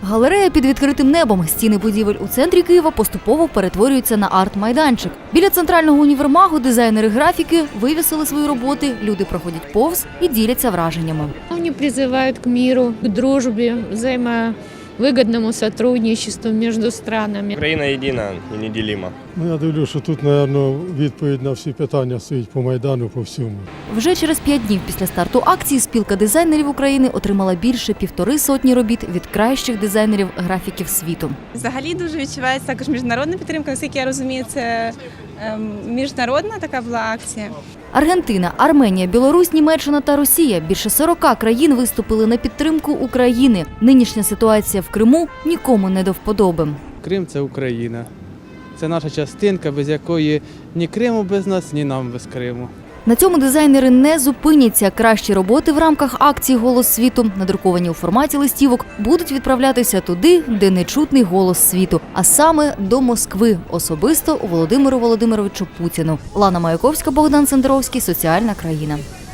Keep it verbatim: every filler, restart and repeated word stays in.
Галерея під відкритим небом. Стіни будівель у центрі Києва поступово перетворюються на арт-майданчик. Біля центрального універмагу дизайнери графіки вивісили свої роботи, люди проходять повз і діляться враженнями. Вони призивають к миру, к дружбі, взаємовигідному сотрудничеству між странами. Україна єдина і неділима. Ну, я дивлюся, що тут, мабуть, відповідь на всі питання стоїть по Майдану, по всьому. Вже через п'ять днів після старту акції спілка дизайнерів України отримала більше півтори сотні робіт від кращих дизайнерів графіків світу. Взагалі дуже відчувається також міжнародна підтримка, наскільки я розумію, це ем, міжнародна така була акція. Аргентина, Арменія, Білорусь, Німеччина та Росія – більше сорока країн виступили на підтримку України. Нинішня ситуація в Криму нікому не до вподоби. Крим – це Україна. Це наша частинка, без якої ні Криму без нас, ні нам без Криму. На цьому дизайнери не зупиняться. Кращі роботи в рамках акції «Голос світу», надруковані у форматі листівок, будуть відправлятися туди, де не чутний голос світу, а саме до Москви, особисто Володимиру Володимировичу Путіну. Лана Маяковська, Богдан Сендровський, «Соціальна країна».